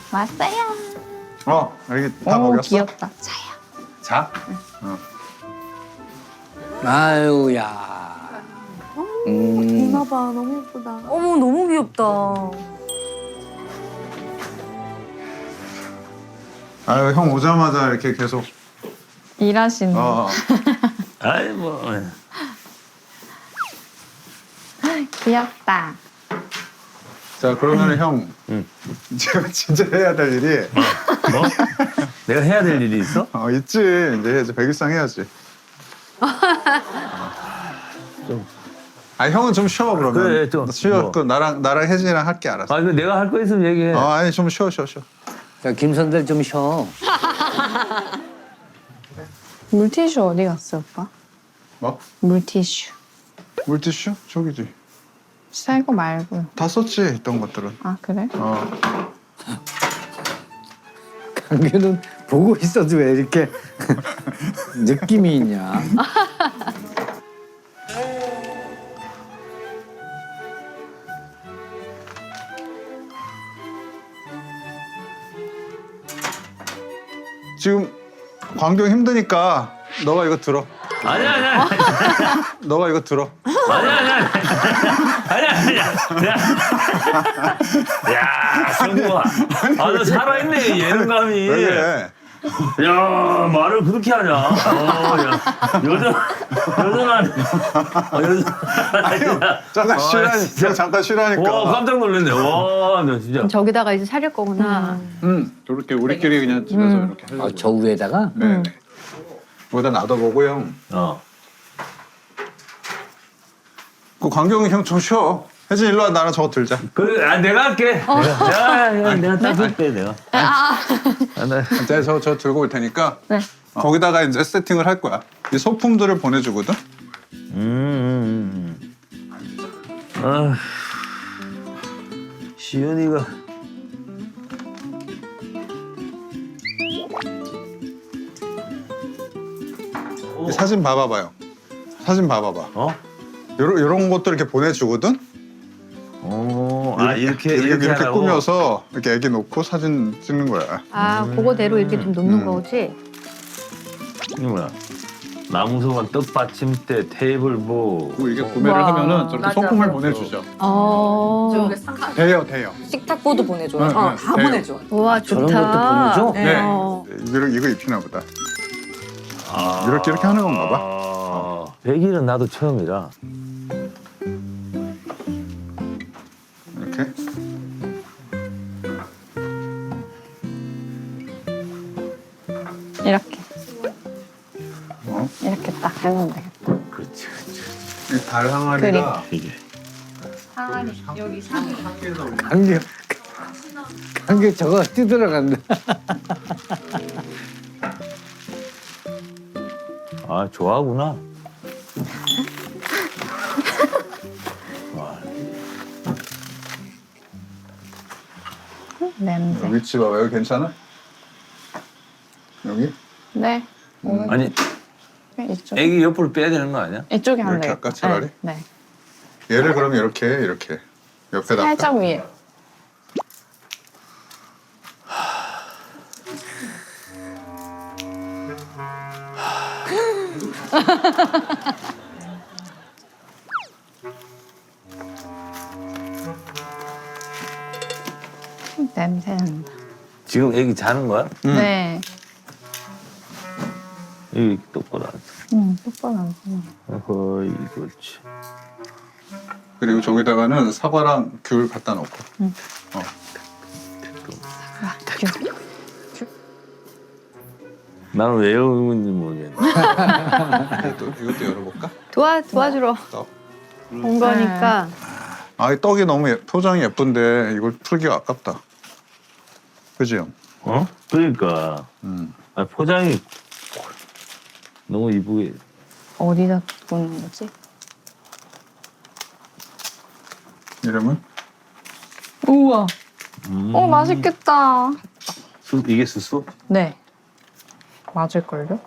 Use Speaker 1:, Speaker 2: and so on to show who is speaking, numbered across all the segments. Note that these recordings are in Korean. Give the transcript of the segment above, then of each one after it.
Speaker 1: 왔어요.
Speaker 2: 여기 다
Speaker 1: 오,
Speaker 2: 먹였어?
Speaker 1: 귀엽다. 자야.
Speaker 2: 자?
Speaker 3: 아유야.
Speaker 4: 이마 봐, 너무 예쁘다.
Speaker 5: 어머 너무 귀엽다.
Speaker 2: 아유, 형 오자마자 이렇게 계속.
Speaker 1: 일하시는.
Speaker 6: 아이 뭐.
Speaker 1: 귀엽다.
Speaker 2: 자, 그러면 형. 제가 진짜 해야 될 일이.
Speaker 6: 뭐? 내가 해야 될 일이 있어?
Speaker 2: 있지. 이제 백일상 해야지. 형은 좀 쉬어, 그러면.
Speaker 6: 그래, 좀
Speaker 2: 쉬어.
Speaker 6: 뭐.
Speaker 2: 그 나랑 혜진이랑 할게, 알았어.
Speaker 6: 아, 이거 내가 할 거 있으면 얘기해.
Speaker 2: 아니, 좀 쉬어.
Speaker 3: 자, 김선들 좀 쉬어.
Speaker 1: 물티슈 어디 갔어, 오빠?
Speaker 2: 뭐?
Speaker 1: 물티슈.
Speaker 2: 물티슈? 저기지.
Speaker 1: 새 거 말고요.
Speaker 2: 다 썼지, 있던 것들은.
Speaker 1: 아, 그래?
Speaker 3: 강규는 보고 있어도 왜 이렇게 느낌이 있냐?
Speaker 2: 지금 광경 힘드니까 너가 이거 들어.
Speaker 6: 아니야.
Speaker 2: 너가 이거 들어.
Speaker 6: 아니야. 야, 성구야. 너 살아있네, 예능감이.
Speaker 2: 왜 그래?
Speaker 6: 야, 말을 그렇게 하냐. 야, 여전하네.
Speaker 2: 잠깐 쉬라니까. 잠깐 쉬라니까.
Speaker 6: 와, 깜짝 놀랐네. 와, 너 진짜.
Speaker 5: 저기다가 이제 사릴 거구나.
Speaker 2: 저렇게 우리끼리 그냥 집에서 이렇게
Speaker 3: 아,
Speaker 2: 하려고.
Speaker 3: 저 위에다가?
Speaker 2: 네. 거기다 놔둬보고 형. 그 광경이 형 좀 쉬어. 혜진 일로 와, 나랑 저거 들자.
Speaker 6: 그래, 내가 할게. 내가 따줄게, 내가.
Speaker 2: 내가 저 들고 올 테니까.
Speaker 1: 네.
Speaker 2: 거기다가 이제 세팅을 할 거야. 이 소품들을 보내주거든.
Speaker 6: 아, 시연이가.
Speaker 2: 이 사진 봐봐봐요. 사진 봐봐봐. 요런 것들 이렇게 보내주거든. 이렇게
Speaker 6: 하라고?
Speaker 2: 꾸며서 이렇게 애기 놓고 사진 찍는 거야.
Speaker 5: 아, 그거대로 이렇게 좀 놓는 거지.
Speaker 6: 이게 뭐야? 나무소가 떡받침대, 테이블보.
Speaker 2: 이게 구매를
Speaker 5: 와,
Speaker 2: 하면은 저렇게
Speaker 5: 맞아.
Speaker 2: 소품을 보내주죠. 돼요.
Speaker 4: 식탁보도 보내줘요.
Speaker 2: 네, 네,
Speaker 4: 다
Speaker 2: 돼요.
Speaker 4: 보내줘.
Speaker 5: 와,
Speaker 3: 저런
Speaker 5: 좋다.
Speaker 3: 것도 보내줘?
Speaker 2: 네.
Speaker 5: 어.
Speaker 2: 이거 입히나 보다. 이렇게 하는 건가 봐.
Speaker 6: 100일은 나도 처음이라.
Speaker 2: 이렇게.
Speaker 1: 이렇게.
Speaker 2: 어?
Speaker 1: 이렇게 딱 해놓으면 되겠다.
Speaker 6: 그렇지.
Speaker 2: 이 달 항아리가
Speaker 6: 이게.
Speaker 3: 강규 저거 뛰들어간다.
Speaker 6: 아, 좋아하구나.
Speaker 1: 냄새.
Speaker 2: 위치 봐봐. 여기 괜찮아? 여기?
Speaker 1: 네.
Speaker 6: 아니,
Speaker 1: 이쪽.
Speaker 6: 애기 옆으로 빼야 되는 거 아니야?
Speaker 1: 이쪽에 하면
Speaker 2: 이렇게
Speaker 1: 되겠다.
Speaker 2: 할까, 차라리?
Speaker 1: 네.
Speaker 2: 얘를 그러면 이렇게 옆에다.
Speaker 1: 살짝 위에. 냄새 난다.
Speaker 6: 지금 애기 자는 거야?
Speaker 1: 네.
Speaker 6: 여기 똑바로 앉아.
Speaker 1: 똑바로 안 서.
Speaker 6: 어허이, 그렇지.
Speaker 2: 그리고 저기다가는 사과랑 귤 갖다 놓고.
Speaker 6: 나는 왜 여는지 모르겠네.
Speaker 2: 이것도 열어볼까?
Speaker 5: 도와주러
Speaker 2: 떡.
Speaker 5: 온 거니까.
Speaker 2: 이 떡이 너무 표정이 예쁜데 이걸 풀기가 아깝다. 그지 형?
Speaker 6: 그러니까. 포장이 너무 이쁘게.
Speaker 1: 어디다 두는 거지?
Speaker 2: 이름은?
Speaker 1: 우와. 맛있겠다.
Speaker 6: 이게 수수?
Speaker 1: 네. 맞을걸요?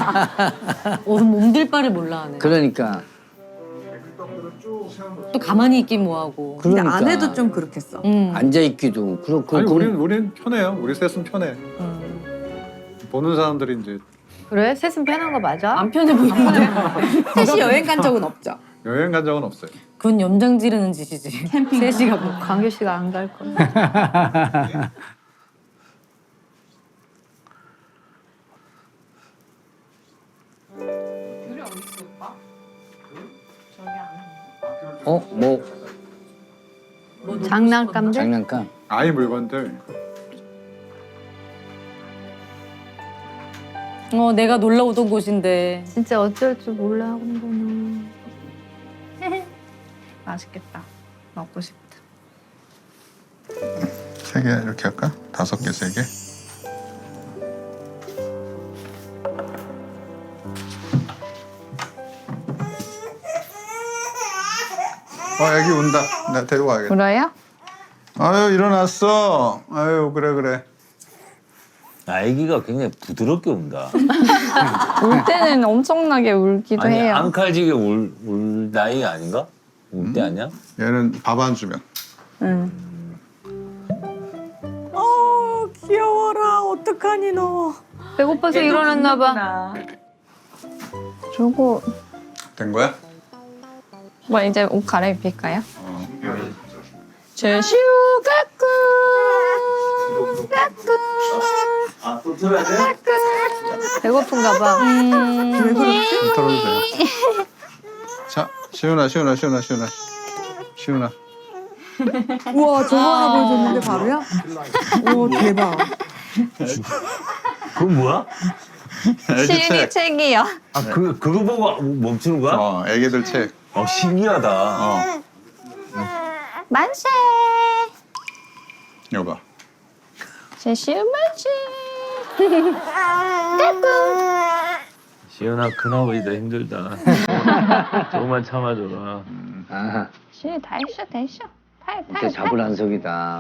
Speaker 4: 몸둘 바를 몰라 하네.
Speaker 3: 그러니까.
Speaker 4: 또 가만히 있긴 뭐하고.
Speaker 7: 근데
Speaker 3: 그러니까.
Speaker 7: 아내도 좀 그렇겠어.
Speaker 3: 앉아 있기도 그렇고.
Speaker 2: 아니 우린 편해요. 우리 셋은 편해. 보는 사람들이 이제
Speaker 5: 그래? 셋은 편한 거 맞아?
Speaker 4: 안 편해 보이는데.
Speaker 7: 셋이 여행 간 적은 없죠.
Speaker 2: 여행 간 적은 없어요.
Speaker 4: 그건 염장 지르는 짓이지.
Speaker 7: 캠핑.
Speaker 4: 셋이가 뭐.
Speaker 5: 광규 씨가 안 갈 거야.
Speaker 3: 뭐
Speaker 5: 장난감들?
Speaker 3: 장난감.
Speaker 2: 아이 물건들.
Speaker 4: 내가 놀러 오던 곳인데.
Speaker 5: 진짜 어쩔 줄 몰라 하는구나.
Speaker 1: 맛있겠다. 먹고 싶다.
Speaker 2: 3개 이렇게 할까? 5개, 3개. 애기 운다. 나 데리고 가야겠다.
Speaker 1: 울어요?
Speaker 2: 아유 일어났어. 아유 그래.
Speaker 6: 아기가 굉장히 부드럽게 운다.
Speaker 1: 울 때는 엄청나게 울기도
Speaker 6: 아니
Speaker 1: 해요.
Speaker 6: 앙칼지게 울 나이 아닌가? 울 때 아니야?
Speaker 2: 얘는 밥 안 주면.
Speaker 1: 응.
Speaker 7: 귀여워라. 어떡하니 너.
Speaker 5: 배고파서 일어났나 봐.
Speaker 1: 주고
Speaker 2: 된 거야?
Speaker 1: 뭐 이제 옷 갈아입힐까요? 제 슈가꾼
Speaker 6: 아또 들어야 돼?
Speaker 5: 배고픈가 봐.
Speaker 7: 왜 그러지?
Speaker 2: 좀 털어도 돼요. 자, 시훈아.
Speaker 7: 우와 저거 하나 보여줬는데 바로야? 오 대박.
Speaker 6: 그건 뭐야?
Speaker 2: 애기
Speaker 1: 시은이
Speaker 2: 책.
Speaker 1: 책이요.
Speaker 6: 아 그거 보고 멈추는 거야?
Speaker 2: 애기들 책.
Speaker 6: 신기하다.
Speaker 1: 만세.
Speaker 2: 여봐.
Speaker 1: 제 시은 만세.
Speaker 6: 시연아 큰아버지도 힘들다. 조금만 참아줘라.
Speaker 3: 아,
Speaker 1: 시은 다 했어. 팔.
Speaker 3: 진짜 자불안석이다.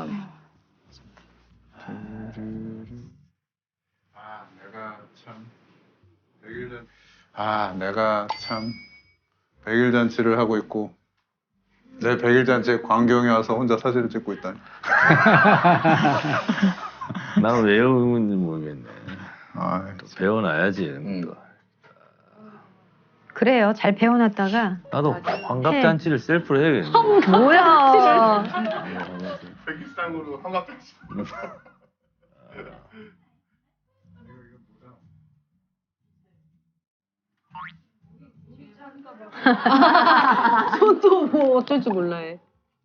Speaker 2: 내가 참 100일 잔치를 하고 있고 내 100일 잔치에 광경이 와서 혼자 사진을 찍고 있다니.
Speaker 6: 나는 왜 외우는지 모르겠네.
Speaker 2: 아,
Speaker 6: 배워놔야지 이런 거.
Speaker 5: 그래요. 잘 배워놨다가.
Speaker 6: 나도 환갑잔치를 셀프로 해야겠네.
Speaker 5: 뭐야.
Speaker 2: 백일상으로 환갑잔치.
Speaker 4: 또 뭐 어쩔 줄 몰라 해.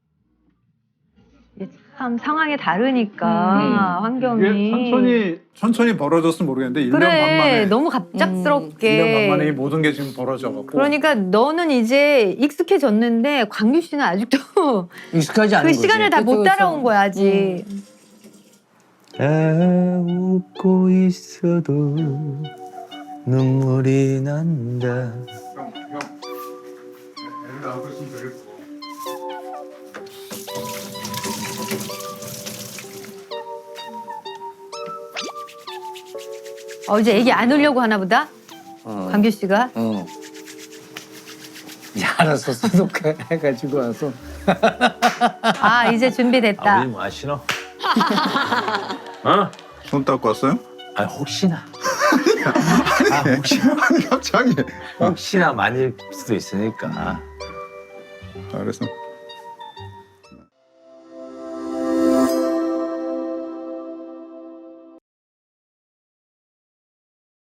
Speaker 5: 이게 참 상황이 다르니까 환경이.
Speaker 2: 천천히 벌어졌으면 모르겠는데 1년 반
Speaker 5: 그래
Speaker 2: 만에.
Speaker 5: 너무
Speaker 2: 1년 반
Speaker 5: 갑작스럽게.
Speaker 2: 만에 이 모든 게 지금 벌어져갖고.
Speaker 5: 그러니까 너는 이제 익숙해졌는데 광규 씨는 아직도
Speaker 3: 익숙하지 않은
Speaker 5: 그
Speaker 3: 거지.
Speaker 5: 시간을 다 못
Speaker 4: 그쵸,
Speaker 5: 따라온 거야 아직.
Speaker 6: 웃고 있어도 눈물이 난다.
Speaker 2: 애를 낳고 있으면 되겠어.
Speaker 5: 이제 애기 안 울려고 하나 보다.
Speaker 3: 어.
Speaker 5: 광규 씨가.
Speaker 3: 이제 알아서 소독해가지고 와서.
Speaker 5: 아 이제 준비됐다.
Speaker 6: 아버지 뭐 하시노? 어?
Speaker 2: 손 닦고 왔어요?
Speaker 6: 아 혹시나.
Speaker 2: 아니 갑자기.
Speaker 6: 혹시나 많을 수도 있으니까.
Speaker 2: 알았어.